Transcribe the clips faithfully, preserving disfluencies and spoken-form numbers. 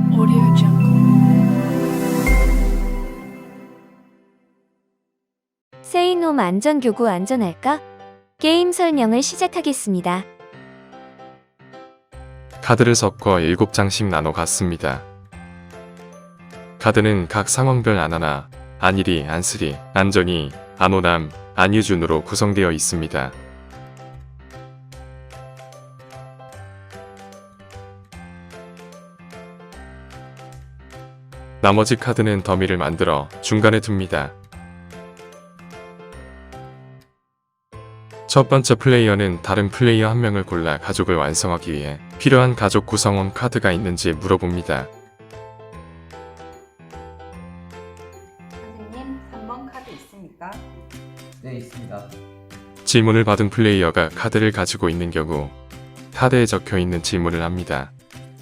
Audio Jungle. 세이놈 안전교구 안전할까? 게임 설명을 시작하겠습니다. 카드를 섞어 일곱 장씩 나눠 갔습니다. 카드는 각 상황별 안하나, 안일이, 안쓰리, 안전이, 안오남, 안유준으로 구성되어 있습니다. 나머지 카드는 더미를 만들어 중간에 둡니다. 첫 번째 플레이어는 다른 플레이어 한 명을 골라 가족을 완성하기 위해 필요한 가족 구성원 카드가 있는지 물어봅니다. 선생님, 삼 번 카드 있습니까? 네, 있습니다. 질문을 받은 플레이어가 카드를 가지고 있는 경우 카드에 적혀 있는 질문을 합니다.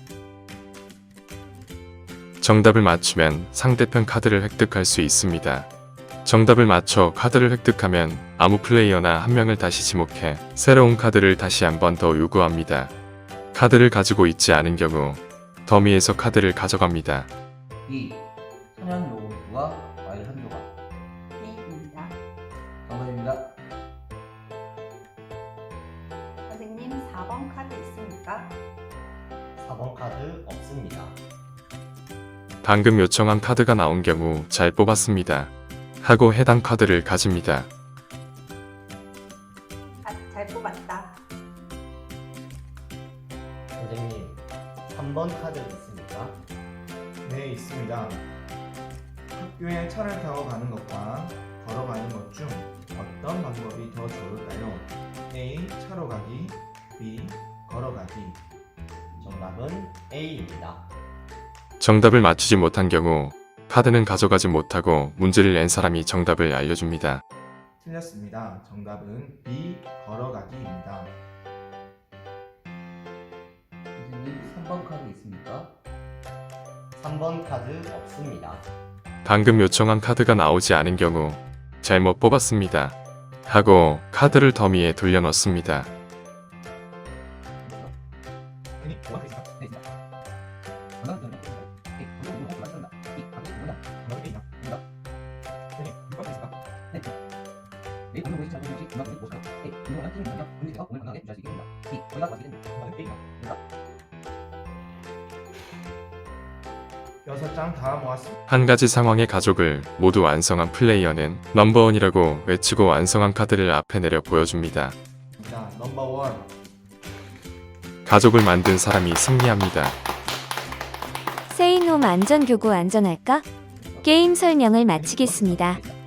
정답을 맞추면 상대편 카드를 획득할 수 있습니다. 정답을 맞춰 카드를 획득하면 아무 플레이어나 한 명을 다시 지목해 새로운 카드를 다시 한 번 더 요구합니다. 카드를 가지고 있지 않은 경우 더미에서 카드를 가져갑니다. 이. 천연 요구르트와 과일 한 조각. B입니다. 정답입니다. 선생님, 사 번 카드 있습니까? 사 번 카드 없습니다. 방금 요청한 카드가 나온 경우 잘 뽑았습니다. 하고 해당 카드를 가집니다. 아, 잘 뽑았다. 선생님, 삼 번 카드 있습니까? 네, 있습니다. 학교에 차를 타고 가는 것과 걸어가는 것 중 어떤 방법이 더 좋을까요? A. 차로 가기, B. 걸어가기. 정답은 A입니다. 정답을 맞추지 못한 경우 카드는 가져가지 못하고 문제를 낸 사람이 정답을 알려줍니다. 틀렸습니다. 정답은 B. 걸어가기입니다. 선생님, 삼 번 카드 있습니까? 삼 번 카드 없습니다. 방금 요청한 카드가 나오지 않은 경우 잘못 뽑았습니다. 하고 카드를 더미에 돌려넣습니다. 여섯 장 다 모았습니다. 한 가지 상황의 가족을 모두 완성한 플레이어는 넘버원이라고 외치고 완성한 카드를 앞에 내려 보여줍니다. 넘버 원. 가족을 만든 사람이 승리합니다. 세이놈 안전교구 안전할까? 게임 설명을 마치겠습니다.